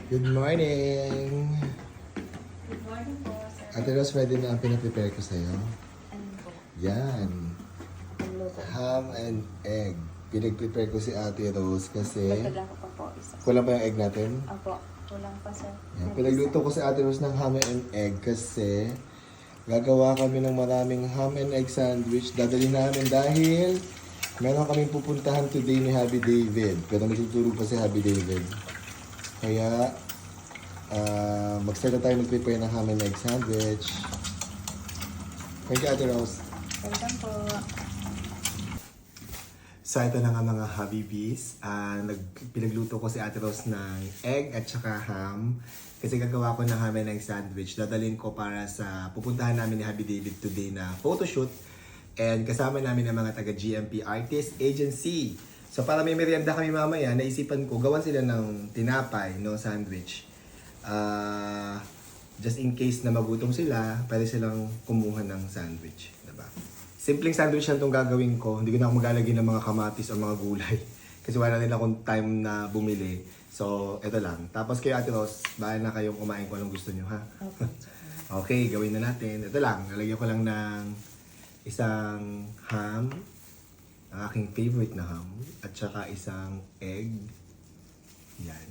Good morning! Good morning po, sir. Ate Rose, ready na ang pinaprepare ko sa'yo? Ano po? Yan. Ang luto. Ham and egg. Pinag-prepare ko si Ate Rose kasi Dagdagan ko pa po isa. kulang pa yung egg natin. Opo, kulang pa, sir. Yan. Pinagluto ko si Ate Rose ng ham and egg kasi gagawa kami ng maraming ham and egg sandwich. Dadali namin dahil meron kaming pupuntahan today ni Happy David. Pero magtutulog pa si Happy David. Kaya mag-start na tayo mag-prepare ng ham and egg sandwich. Thank you, Ate Rose. Welcome po. So ito na nga mga Habibis. Pinagluto ko si Ate Rose ng egg at saka ham. Kasi gagawa ko ng ham and egg sandwich. Dadalhin ko para sa pupuntahan namin ni Happy David today na photoshoot. And kasama namin ang mga taga GMP Artist Agency. So para may merienda kami mamaya, naisipan ko gawan sila ng tinapay, no, sandwich. Just in case na magutom sila, pwede silang kumuha ng sandwich, diba? Simpleng sandwich lang itong gagawin ko. Hindi ko na ako maglalagay ng mga kamatis o mga gulay. Kasi wala nila akong time na bumili. So, ito lang. Tapos kayo, Ate Rose, bahala na kayong kumain kung anong gusto nyo, ha? Okay, gawin na natin. Ito lang, nalagyan ko lang ng isang ham, ang aking favorite na ham, at saka isang egg. Yan.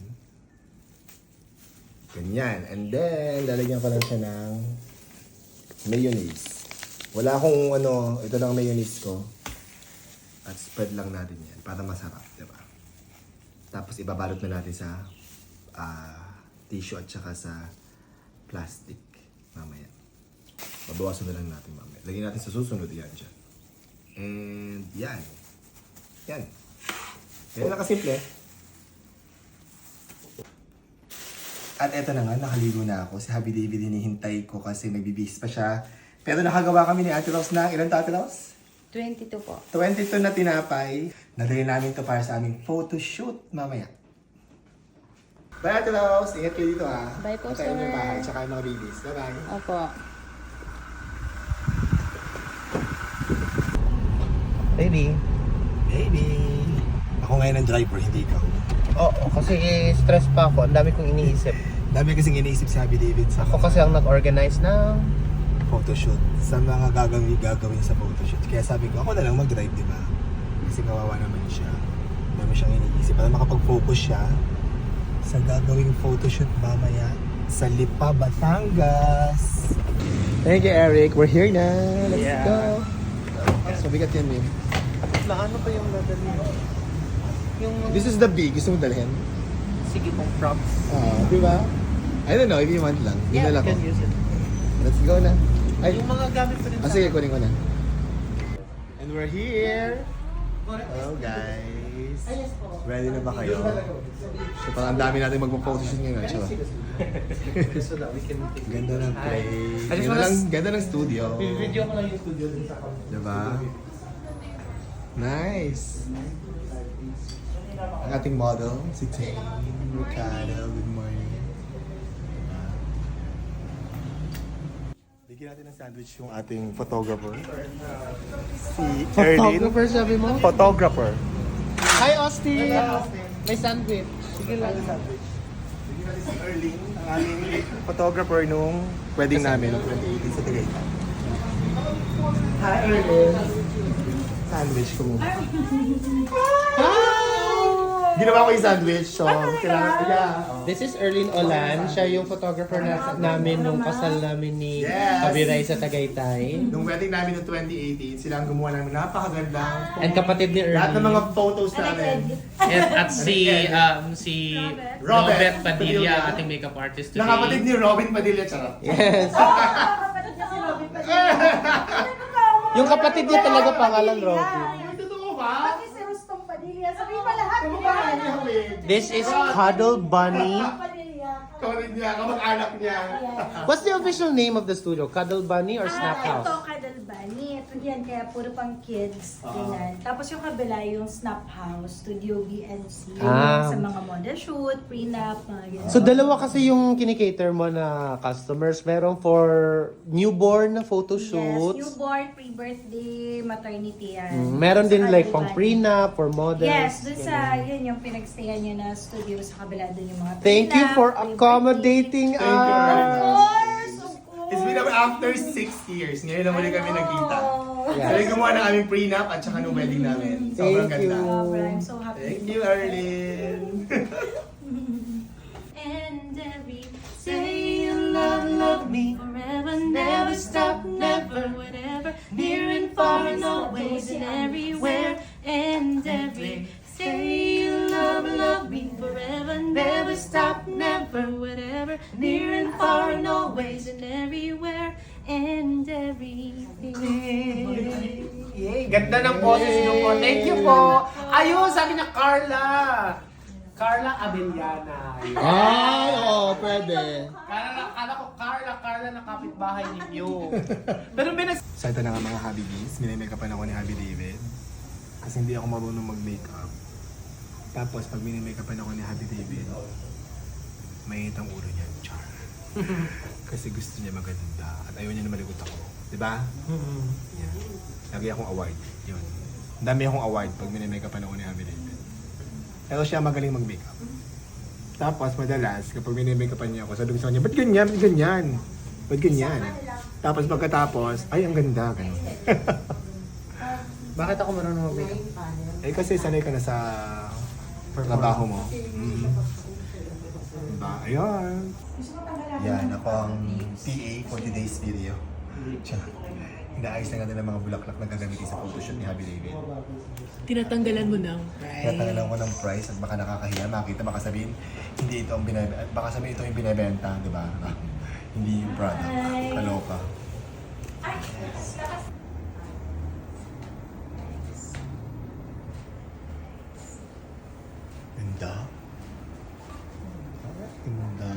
Ganyan. And then, lalagyan ko lang siya ng mayonnaise. Wala akong ito lang mayonnaise ko. At spread lang natin yan para masarap, diba? Tapos ibabalot na natin sa tissue at saka sa plastic mamaya. Babawasan na lang natin mamaya. Lagyan natin sa susunod yan dyan. And yan. Yan. Yan lang kasimple. At eto na nga, nakaligo na ako. Si Happy David hinihintay ko kasi nagbibihis pa siya. Pero nakagawa kami ni Ate Rose ng ilan to, Ate Rose? 22 po. 22 na tinapay. Nadali namin to para sa aming photoshoot mamaya. Bye, Ate Rose. Ingat kayo dito, ha. Bye po, At tayo sir. yung bahay, tsaka yung mga babies. Bye-bye. Opo. Baby. Baby. Ako ngayon ang driver, hindi ikaw. Oo, kasi stress pa ako. Ang dami kong iniisip. Dami kasing iniisip si Happy David sa Ako kasi ang nag-organize ng... photoshoot. Sa mga gagawin sa photoshoot. Kaya sabi ko, ako na lang mag-drive, di ba? Kasi kawawa naman siya. Dami siyang iniisip. Para makapag-focus siya sa gagawing photoshoot mamaya sa Lipa, Batangas. Thank you, Eric. We're here na. Let's Yeah. go. So, bigat yan, Mim. Na ano pa yung dadali mo? Yung... This is the big. Gusto mo dalhin? Sige pong props. Di ba? I don't know, if you want lang. Yeah, Dinala you ko. can use it. Let's go na. Ay, Yung mga gamit pa rin sige, kunin ko na. And we're here. Hello, guys. Ready na ba kayo? So, parang ang dami natin magpo-photoshoot ngayon. Tsaka. So that we can... Ganda ng place. I just wanna Ganda ng studio. Video ko lang yung studio din sa kanya. Diba? Nice. Ang ating model, si Tay Ricardo. Good morning. Bigyan natin ng sandwich yung ating photographer. Si Erlyn. Photographer sabi mo? Photographer. Hi, Austin! May sandwich. Sige lang. Bigyan natin si Erlyn, ang aming photographer nung wedding namin noong 2018 sa Tagaytay. Hi, Erlyn. Sandwich ko muna. Ginawa ko yung sandwich, so kailangan This is Erlyn Olan. Siya yung photographer namin nung kasal namin ni Yes! Kabiray sa Tagaytay. Nung wedding namin noong 2018, sila ang gumawa namin napakagandang And kapatid ni Erlyn. lahat ng mga photos namin. At si Robert Robert Padilla, Padilla. ating makeup artist today. Nakapatid ni Robin Padilla, charot. Yes. Yung kapatid niya talaga pangalan Robin. Ay, totoo ba? Pati si Rustong Padilla. Sabihin mo lahat, di Kamag-anak ba? niya ako eh. This is Cuddle Bunny. Padilla. Kamag niya, kamag-anak niya. What's the official name of the studio? Cuddle Bunny or Snap Ito, House? Kadalbanit. yan, kaya puro pang kids. Ganyan. Tapos yung kabila, yung Snap House, Studio BNC. Ah. Sa mga model shoot, prenup, mga ganyan. So dalawa kasi yung kinikater mo na customers. Meron for newborn na photo Yes, shoot. newborn, pre-birthday, maternity yan. Meron din Saka like pang diba? prenup for models. Yes, dun sa, yun yung pinagstayan nyo na studio sa kabila, dun yung mga Thank you prenup, for pre-birthday. accommodating Thank you, us. Of course, of course. It's been after 6 years. Ngayon lang ulit kami nagkita. Yeah. Sabi gumawa na aming prenup at saka nung wedding namin. Sobrang Thank you. ganda. I'm so happy. Thank you, Arlene. And every say you love me forever, never stop, never, whatever, near and far and always and everywhere. And every say you love me forever, never stop, never, whatever, near and far and always and everywhere. And everything. Yay, ganda ng boses niyo po. Thank you po. Ayun, sabi na Carla. Carla Abellana. Ay, oo, pwede. Kala ko Carla na kapitbahay ninyo. Pero So ito na nga mga Happy Bees. Minimake-upan ako ni Happy David. Kasi hindi ako marunong mag-makeup. Tapos pag minimake-upan ako ni Happy David, mainit ang ulo niya. Char. Kasi gusto niya maganda. At ayaw niya na maligot ako. Diba? Yeah. Lagi akong award. Yun. Ang dami akong award pag minimake-upan ako ni Happy David. Pero siya magaling mag-makeup. Tapos madalas, kapag minimake-upan niya ako, sabi ko sa kanya, ba't ganyan? Ba't ganyan? Ba't ganyan? Tapos pagkatapos, ay, ang ganda. Ganun. Bakit ako marunong mag-makeup? Eh kasi sanay ka na sa trabaho mo. Diba? Ayun. Yan, ako ang PA for today's video. Inaayos na nga nila mga bulaklak na gagamitin sa photoshoot ni Happy David. Tinatanggalan mo ng price. Tinatanggalan ko ng price at baka nakakahiya. Makita, baka sabihin, hindi ito ang binibenta. Baka sabihin ito yung binibenta, di ba? Hindi yung product. Kaloka. Ganda. Ganda.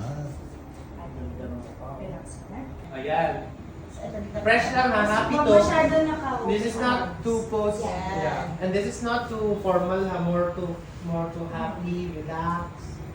Ayan. Fresh lang ha, happy to. Masyado naka- This is not too post. Yeah. And this is not too formal ha, more to happy, relax.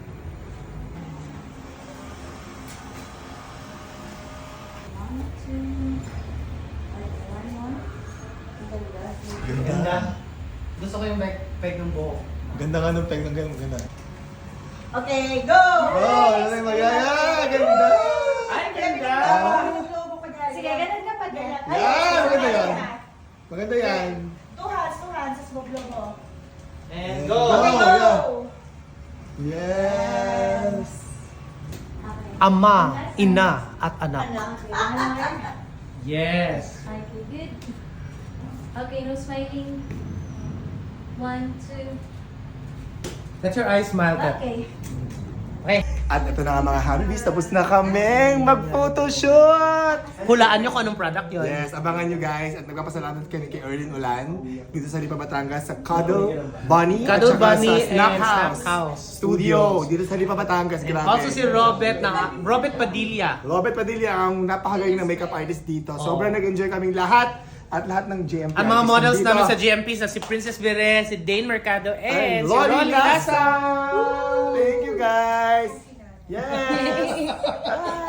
Ganda. Ganda. Gusto ko yung peg ng buhok. Ganda nga nung peg ng ganda. Okay, go! Oh, ano yung magaya? Ganda! Ay, ganda! Sige, ganun ka pa din. Yan! Maganda yan. Maganda yan. Two hands, sa logo. And Go! go! Yeah. Yes! Ama, ina, at anak. Yes. Okay, good. Okay, no smiling. 1, 2. Let your eyes smile, Kat. Okay. Okay. At ito na nga mga Happy Bees, tapos na kaming mag-photoshoot! Hulaan nyo kung anong product yun. Yes, abangan nyo guys at nagpapasalamat kami kay Erlyn Ulan dito sa Lipa, Batangas sa Cuddle Bunny Cuddle at saka Bunny sa Snap and House, Snap House Studio dito sa Lipa, Batangas. Grabe. Also si Robert Padilla. Robert Padilla ang napakagaling na makeup artist dito. Sobrang nag-enjoy kaming lahat at lahat ng GMP Ang mga artists models dito. namin sa GMP sa si Princess Vire, si Dane Mercado, and And si Rolly Rolly Lasa! Lasa. Thank you guys! Yes!